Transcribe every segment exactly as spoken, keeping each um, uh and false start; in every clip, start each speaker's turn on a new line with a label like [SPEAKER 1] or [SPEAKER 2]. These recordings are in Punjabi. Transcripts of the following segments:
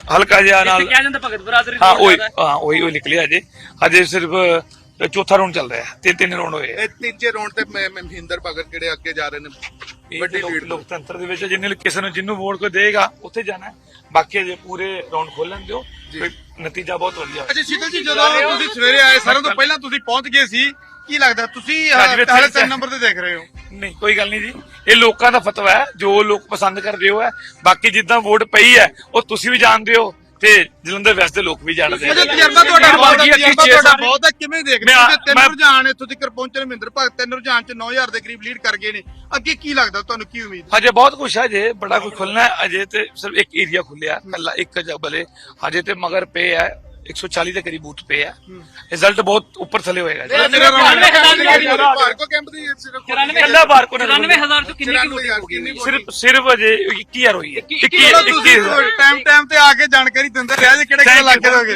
[SPEAKER 1] ਹਲਕਾ ਜਿਹਾ ਨਾਲ
[SPEAKER 2] ਕਿਹਾ ਜਾਂਦਾ ਭਗਤ ਬਰਾਦਰੀ
[SPEAKER 1] ਹਾਂ ਉਹੀ ਹਾਂ ਉਹੀ ਉਹੀ ਨਿਕਲਿਆ ਅਜੇ ਅਜੇ ਸਿਰਫ ਚੌਥਾ ਰਾਉਂਡ ਚੱਲ ਰਿਹਾ ਤਿੰਨ ਤਿੰਨ ਰਾਉਂਡ ਹੋਏ
[SPEAKER 3] ਇਹ ਤੀਜੇ ਰਾਉਂਡ ਤੇ ਮੈਂ- ਮੈਂ ਮਹਿੰਦਰ ਭਗਤ ਜਿਹੜੇ ਅੱਗੇ ਜਾ ਰਹੇ ਨੇ ਵੱਡੀ ਲੀਡ।
[SPEAKER 1] ਲੋਕਤੰਤਰ ਦੇ ਵਿੱਚ ਜਿੰਨੇ ਕਿਸੇ ਨੂੰ ਜਿਹਨੂੰ ਵੋਟ ਕੋਈ ਦੇਗਾ ਉੱਥੇ ਜਾਣਾ ਬਾਕੀ ਅਜੇ ਪੂਰੇ ਰਾਉਂਡ ਖੋਲਣ ਦਿਓ ਕੋਈ ਨਤੀਜਾ ਬਹੁਤ ਵਧੀਆ
[SPEAKER 4] ਅੱਛਾ ਸ਼ੀਤਲ ਜੀ, ਜਦੋਂ ਤੁਸੀਂ ਸਵੇਰੇ ਆਏ ਸਾਰਿਆਂ ਤੋਂ ਪਹਿਲਾਂ ਤੁਸੀਂ ਪਹੁੰਚ ਗਏ ਸੀ, ਕੀ ਲੱਗਦਾ ਤੁਸੀਂ
[SPEAKER 1] ਰਾਜਵੀਰ
[SPEAKER 4] ਪਹਿਲੇ
[SPEAKER 1] ਸਿੰਘ
[SPEAKER 4] ਤਿੰਨ ਨੰਬਰ ਤੇ ਦੇਖ ਰਹੇ ਹੋ?
[SPEAKER 1] ਨਹੀਂ ਕੋਈ ਗੱਲ ਨਹੀਂ ਜੀ ਇਹ ਲੋਕਾਂ ਦਾ ਫਤਵਾ ਹੈ ਜੋ ਲੋਕ ਪਸੰਦ ਕਰਦੇ ਹੋ ਹੈ ਬਾਕੀ ਜਿੱਦਾਂ ਵੋਟ ਪਈ ਹੈ ਉਹ ਤੁਸੀਂ ਵੀ ਜਾਣਦੇ ਹੋ ਤੇ ਜਲੰਧਰ ਵੈਸਟ ਦੇ ਲੋਕ ਵੀ ਜਾਣਦੇ
[SPEAKER 4] ਅਜੇ ਤਜਰਬਾ ਤੁਹਾਡਾ ਬਹੁਤ ਹੈ, ਤਜਰਬਾ ਤੁਹਾਡਾ ਬਹੁਤ ਹੈ, ਕਿਵੇਂ ਦੇਖਦੇ ਹੋ? ਤਿੰਨ
[SPEAKER 1] ਮੈਂ-
[SPEAKER 4] ਰੁਝਾਨ ਇੱਥੋਂ ਤੱਕ ਪਹੁੰਚੇ ਨੇ, ਮਹਿੰਦਰ ਭਗਤ ਤਿੰਨ ਰੁਝਾਨ ਚ ਨੌ ਹਜ਼ਾਰ ਦੇ ਕਰੀਬ ਲੀਡ ਕਰ ਗਏ ਨੇ, ਅੱਗੇ ਕੀ ਲੱਗਦਾ ਤੁਹਾਨੂੰ, ਕੀ ਉਮੀਦ?
[SPEAKER 1] ਹਜੇ ਬਹੁਤ ਕੁਛ ਹੈ ਅਜੇ ਬੜਾ ਕੁਝ ਖੁੱਲਣਾ ਹੈ ਅਜੇ ਤੇ ਸਿਰਫ ਇੱਕ ਏਰੀਆ ਖੁੱਲਿਆ ਕੱਲਾ ਇੱਕ ਜਬਲੇ ਹਜੇ ਤੇ ਮਗਰ ਪੇ ਹੈ ਇੱਕ ਸੌ ਚਾਲੀ ਦੇ ਕਰੀਬ ਬੂਥ ਪੇ ਹੈ ਰਿਜ਼ਲਟ ਬਹੁਤ ਉੱਪਰ ਥੱਲੇ ਹੋਏਗਾ ਜੀ
[SPEAKER 3] ਭਾਰਗੋ ਕੈਂਪ ਦੀ ਸਿਰਫ
[SPEAKER 1] ਕੱਲਾ ਬਾਰ ਕੋ
[SPEAKER 2] ਚੁਰਾਨਵੇਂ ਹਜ਼ਾਰ ਤੋਂ ਕਿੰਨੀ ਕੀ ਵੋਟਿੰਗ ਹੋ ਗਈ?
[SPEAKER 1] ਸਿਰਫ ਸਿਰਫ ਅਜੇ ਇੱਕੀ ਹਜ਼ਾਰ ਹੋਈ ਹੈ ਇੱਕੀ
[SPEAKER 4] ਤੁਸੀਂ ਟਾਈਮ ਟਾਈਮ ਤੇ ਆ ਕੇ ਜਾਣਕਾਰੀ ਦਿੰਦੇ ਰਹੇ ਜੇ ਕਿਹੜੇ ਕਿਹੜੇ ਇਲਾਕੇ ਦੋਗੇ।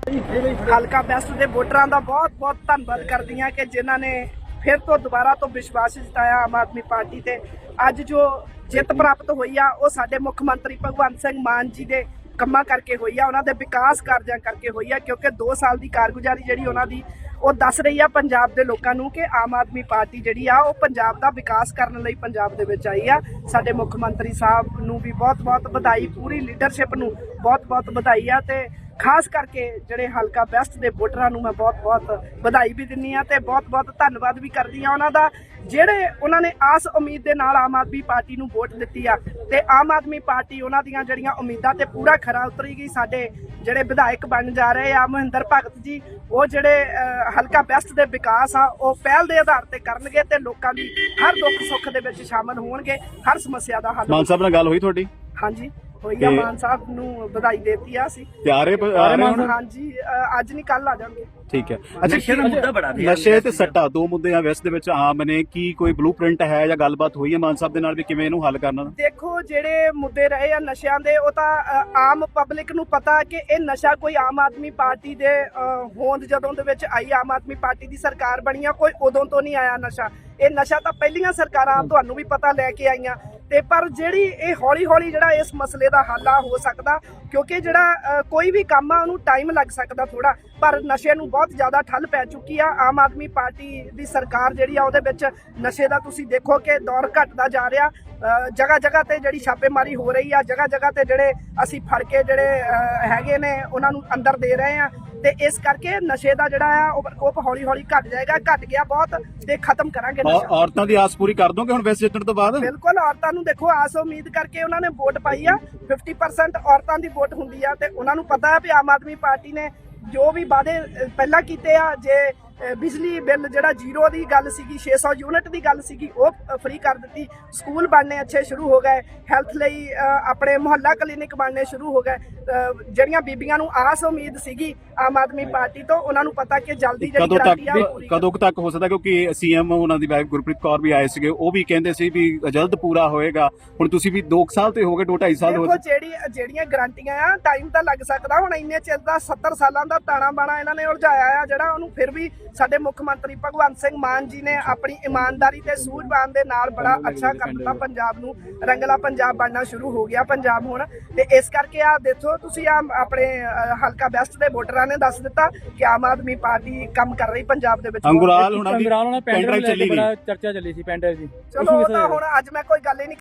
[SPEAKER 5] ਹਲਕਾ ਬੈਸਟ ਦੇ ਵੋਟਰਾਂ ਦਾ ਬਹੁਤ ਬਹੁਤ ਧੰਨਵਾਦ ਕਰਦੀ ਹਾਂ ਕਿ ਜਿਨ੍ਹਾਂ ਨੇ ਫਿਰ ਤੋਂ ਦੁਬਾਰਾ ਤੋਂ ਵਿਸ਼ਵਾਸ ਜਤਾਇਆ ਆਮ ਆਦਮੀ ਪਾਰਟੀ ਤੇ। ਅੱਜ ਜੋ ਜਿੱਤ ਪ੍ਰਾਪਤ ਹੋਈ ਆ ਉਹ ਸਾਡੇ ਮੁੱਖ ਮੰਤਰੀ ਭਗਵੰਤ ਸਿੰਘ ਮਾਨ ਜੀ ਦੇ ਕੰਮਾਂ ਕਰਕੇ ਹੋਈ ਆ, ਉਹਨਾਂ ਦੇ ਵਿਕਾਸ ਕਾਰਜਾਂ ਕਰਕੇ ਹੋਈ ਆ, ਕਿਉਂਕਿ ਦੋ ਸਾਲ ਦੀ ਕਾਰਗੁਜ਼ਾਰੀ ਜਿਹੜੀ ਉਹਨਾਂ ਦੀ ਉਹ ਦੱਸ ਰਹੀ ਆ ਪੰਜਾਬ ਦੇ ਲੋਕਾਂ ਨੂੰ ਕਿ ਆਮ ਆਦਮੀ ਪਾਰਟੀ ਜਿਹੜੀ ਆ ਉਹ ਪੰਜਾਬ ਦਾ ਵਿਕਾਸ ਕਰਨ ਲਈ ਪੰਜਾਬ ਦੇ ਵਿੱਚ ਆਈ ਆ। ਸਾਡੇ ਮੁੱਖ ਮੰਤਰੀ ਸਾਹਿਬ ਨੂੰ ਵੀ ਬਹੁਤ ਬਹੁਤ ਵਧਾਈ, ਪੂਰੀ ਲੀਡਰਸ਼ਿਪ ਨੂੰ ਬਹੁਤ ਬਹੁਤ ਵਧਾਈ ਆ ਤੇ ਖਾਸ ਕਰਕੇ ਜਿਹੜੇ ਹਲਕਾ ਬੈਸਟ ਦੇ ਵੋਟਰਾਂ ਨੂੰ ਮੈਂ ਬਹੁਤ-ਬਹੁਤ ਵਧਾਈ ਵੀ ਦਿੰਨੀ ਆ ਤੇ ਬਹੁਤ-ਬਹੁਤ ਧੰਨਵਾਦ ਵੀ ਕਰਦੀ ਆ ਉਹਨਾਂ ਦਾ, ਜਿਹੜੇ ਉਹਨਾਂ ਨੇ ਆਸ ਉਮੀਦ ਦੇ ਨਾਲ ਆਮ ਆਦਮੀ ਪਾਰਟੀ ਨੂੰ ਵੋਟ ਦਿੱਤੀ ਆ ਤੇ ਆਮ ਆਦਮੀ ਪਾਰਟੀ ਉਹਨਾਂ ਦੀਆਂ ਜਿਹੜੀਆਂ ਉਮੀਦਾਂ ਤੇ ਪੂਰਾ ਖਰਾ ਉਤਰੇਗੀ। ਸਾਡੇ ਜਿਹੜੇ ਵਿਧਾਇਕ ਬਣ ਜਾ ਰਹੇ ਆ ਮਹਿੰਦਰ ਭਗਤ ਜੀ, ਉਹ ਜਿਹੜੇ ਹਲਕਾ ਬੈਸਟ ਦੇ ਵਿਕਾਸ ਆ ਉਹ ਪਹਿਲ ਦੇ ਆਧਾਰ ਤੇ ਕਰਨਗੇ ਤੇ ਲੋਕਾਂ ਦੀ ਹਰ ਦੁੱਖ ਸੁੱਖ ਦੇ ਵਿੱਚ ਸ਼ਾਮਲ ਹੋਣਗੇ, ਹਰ ਸਮੱਸਿਆ ਦਾ ਹੱਲ।
[SPEAKER 6] ਮਾਨ ਸਾਹਿਬ ਨਾਲ ਗੱਲ ਹੋਈ ਤੁਹਾਡੀ?
[SPEAKER 5] ਹਾਂਜੀ ਹੋਈ ਆ, ਮਾਨ ਸਾਹਿਬ ਨੂੰ ਵਧਾਈ ਦੇਤੀ ਆ ਅਸੀਂ
[SPEAKER 6] ਤੇ ਆ ਰਹੇ ਆ ਰਹੇ ਹੁਣ?
[SPEAKER 5] ਹਾਂਜੀ ਅੱਜ ਨਹੀਂ ਕੱਲ ਆ ਜਾਣਗੇ।
[SPEAKER 6] ਠੀਕ ਹੈ। ਅੱਛਾ ਨਸ਼ੇ ਤੇ ਸੱਟਾ ਦੋ ਮੁੱਦੇ ਆ ਵੈਸਟ ਦੇ ਵਿੱਚ ਆਮ ਨੇ, ਕੀ ਕੋਈ ਬਲੂਪ੍ਰਿੰਟ ਹੈ ਜਾਂ ਗੱਲਬਾਤ ਹੋਈ ਹੈ ਮਾਨ ਸਾਹਿਬ ਦੇ ਨਾਲ ਵੀ ਕਿਵੇਂ ਇਹਨੂੰ ਹੱਲ ਕਰਨਾ?
[SPEAKER 5] ਦੇਖੋ ਜਿਹੜੇ ਮੁੱਦੇ ਰਹੇ ਆ ਨਸ਼ਿਆਂ ਦੇ ਉਹ ਤਾਂ ਆਮ ਪਬਲਿਕ ਨੂੰ ਪਤਾ ਕਿ ਇਹ ਨਸ਼ਾ ਕੋਈ ਆਮ ਆਦਮੀ ਪਾਰਟੀ ਦੇ ਹੋਂਦ ਜਦੋਂ ਦੇ ਵਿੱਚ ਆਈ, ਆਮ ਆਦਮੀ ਪਾਰਟੀ ਦੀ ਸਰਕਾਰ ਬਣੀ ਆ, ਕੋਈ ਉਦੋਂ ਤੋਂ ਨਹੀਂ ਆਇਆ ਨਸ਼ਾ। ਇਹ ਨਸ਼ਾ ਤਾਂ ਪਹਿਲੀਆਂ ਸਰਕਾਰਾਂ ਤੁਹਾਨੂੰ ਵੀ ਪਤਾ ਲੈ ਕੇ ਆਈਆਂ ਤੇ ਪਰ ਜਿਹੜੀ ਇਹ ਹੌਲੀ ਹੌਲੀ ਜਿਹੜਾ ਇਸ ਮਸਲੇ ਦਾ ਹੱਲ ਆ ਹੋ ਸਕਦਾ, ਕਿਉਂਕਿ ਜਿਹੜਾ ਕੋਈ ਵੀ ਕੰਮ ਆ ਉਹਨੂੰ ਟਾਈਮ ਲੱਗ ਸਕਦਾ ਥੋੜਾ, ਪਰ ਨਸ਼ੇ ਨੂੰ ਬਹੁਤ ਜ਼ਿਆਦਾ ਠੱਲ ਪੈ ਚੁੱਕੀ ਆ। ਆਮ ਆਦਮੀ ਪਾਰਟੀ ਦੀ ਸਰਕਾਰ ਜਿਹੜੀ ਆ ਉਹਦੇ ਵਿੱਚ ਨਸ਼ੇ ਦਾ ਤੁਸੀਂ ਦੇਖੋ ਕਿ ਦੌਰ ਘਟਦਾ ਜਾ ਰਿਹਾ, ਜਗ੍ਹਾ ਜਗ੍ਹਾ ਤੇ ਜਿਹੜੀ ਛਾਪੇਮਾਰੀ ਹੋ ਰਹੀ ਆ, ਜਗ੍ਹਾ ਜਗ੍ਹਾ ਤੇ ਜਿਹੜੇ ਅਸੀਂ ਫੜ ਕੇ ਜਿਹੜੇ ਹੈਗੇ ਨੇ ਉਹਨਾਂ ਨੂੰ ਅੰਦਰ ਦੇ ਰਹੇ ਆ ਤੇ ਇਸ ਕਰਕੇ ਨਸ਼ੇ ਦਾ ਜਿਹੜਾ ਆ ਉਹ ਪ੍ਰਕੋਪ ਹੌਲੀ ਹੌਲੀ ਘਟ ਜਾਏਗਾ, ਘਟ ਗਿਆ ਬਹੁਤ ਤੇ ਖਤਮ ਕਰਾਂਗੇ ਨਸ਼ਾ।
[SPEAKER 6] ਔਰਤਾਂ ਦੀ ਆਸ ਪੂਰੀ ਕਰ ਦੋਗੇ ਹੁਣ ਵੈਸਟ ਜਿੱਤਣ ਤੋਂ ਬਾਅਦ?
[SPEAKER 5] ਬਿਲਕੁਲ, ਔਰਤਾਂ ਨੂੰ ਦੇਖੋ ਆਸ ਉਮੀਦ ਕਰਕੇ ਉਹਨਾਂ ਨੇ ਵੋਟ ਪਾਈ ਆ, ਫਿਫਟੀ ਪਰਸੈਂਟ ਔਰਤਾਂ ਦੀ ਵੋਟ ਹੁੰਦੀ ਆ ਤੇ ਉਹਨਾਂ ਨੂੰ ਪਤਾ ਹੈ ਵੀ ਆਮ ਆਦਮੀ ਪਾਰਟੀ ਨੇ ਜੋ ਵੀ ਵਾਅਦੇ ਪਹਿਲਾਂ ਕੀਤੇ ਆ, ਜੇ ਬਿਜਲੀ ਬਿੱਲ ਜਿਹੜਾ ਜ਼ੀਰੋ ਦੀ ਗੱਲ ਸੀਗੀ, ਛੇ ਸੌ ਯੂਨਿਟ ਦੀ ਗੱਲ ਸੀਗੀ, ਉਹ ਫ੍ਰੀ ਕਰ ਦਿੱਤੀ, ਸਕੂਲ ਬਣਨੇ ਅੱਛੇ ਸ਼ੁਰੂ ਹੋ ਗਏ, ਹੈਲਥ ਲਈ ਆਪਣੇ ਮੁਹੱਲਾ ਕਲੀਨਿਕ ਬਣਨੇ ਸ਼ੁਰੂ ਹੋ ਗਏ। ਜਿਹੜੀਆਂ ਬੀਬੀਆਂ ਨੂੰ ਆਸ ਉਮੀਦ ਸੀਗੀ ਆਮ ਆਦਮੀ ਪਾਰਟੀ ਤੋਂ, ਉਹਨਾਂ ਨੂੰ ਪਤਾ ਕਿ ਜਲਦੀ ਜਿਹੜੀ
[SPEAKER 6] ਕਦੋਂ
[SPEAKER 5] ਗਰੰਟੀ ਆ
[SPEAKER 6] ਤੱਕ
[SPEAKER 5] ਪੂਰੀ
[SPEAKER 6] ਕਦੋਂ ਤੱਕ ਹੋ ਸਕਦਾ? ਕਿਉਂਕਿ ਸੀਐਮ ਉਹਨਾਂ ਦੀ ਵਾਈਫ ਗੁਰਪ੍ਰੀਤ ਕੌਰ ਵੀ ਆਏ ਸੀਗੇ, ਉਹ ਵੀ ਕਹਿੰਦੇ ਸੀ ਵੀ ਜਲਦ ਪੂਰਾ ਹੋਏਗਾ। ਹੁਣ ਤੁਸੀਂ ਵੀ ਦੋ ਸਾਲ ਤੇ ਹੋ ਗਏ, ਦੋ ਢਾਈ ਸਾਲ ਹੋ
[SPEAKER 5] ਗਏ। ਜਿਹੜੀ ਜਿਹੜੀਆਂ ਗਰੰਟੀਆਂ ਆ ਟਾਈਮ ਤਾਂ ਲੱਗ ਸਕਦਾ, ਹੁਣ ਇੰਨੇ ਚਿਰ ਦਾ ਸੱਤਰ ਸਾਲਾਂ ਦਾ ਤਾਣਾ ਬਾਣਾ ਇਹਨਾਂ ਨੇ ਉਲਝਾਇਆ ਆ ਜਿਹੜਾ, ਉਹਨੂੰ ਫਿਰ ਵੀ ਸਾਡੇ ਮੁੱਖ ਮੰਤਰੀ ਭਗਵੰਤ ਸਿੰਘ ਮਾਨ ਜੀ ਨੇ ਆਪਣੀ ਇਮਾਨਦਾਰੀ ਤੇ ਸੂਝਵਾਨ ਦੇ ਨਾਲ ਬੜਾ ਅੱਛਾ ਕਰ ਦਿੱਤਾ। ਪੰਜਾਬ ਨੂੰ ਰੰਗਲਾ ਪੰਜਾਬ ਬਣਨਾ ਸ਼ੁਰੂ ਹੋ ਗਿਆ ਪੰਜਾਬ ਹੁਣ, ਤੇ ਇਸ ਕਰਕੇ ਆ ਦੇਖੋ ਤੁਸੀਂ ਆ ਆਪਣੇ ਹਲਕਾ ਬੈਸਟ ਦੇ ਵੋਟਰਾਂ ਨੇ ਦੱਸ ਦਿੱਤਾ ਕਿ ਆਮ ਆਦਮੀ ਪਾਰਟੀ ਕੰਮ ਕਰ ਰਹੀ ਪੰਜਾਬ ਦੇ ਵਿੱਚ।
[SPEAKER 6] ਅੰਗੁਰਾਲ ਹੁਣਾਂ ਦੀ ਪੈਂਡਰਾਈਵ ਚੱਲੀ ਗਈ,
[SPEAKER 2] ਚਰਚਾ ਚੱਲੀ ਸੀ ਪੈਂਡਰਾਈਵ ਦੀ।
[SPEAKER 5] ਚਲੋ ਉਹ ਤਾਂ ਹੁਣ ਅੱਜ ਮੈਂ ਕੋਈ ਗੱਲ ਹੀ ਨਹੀਂ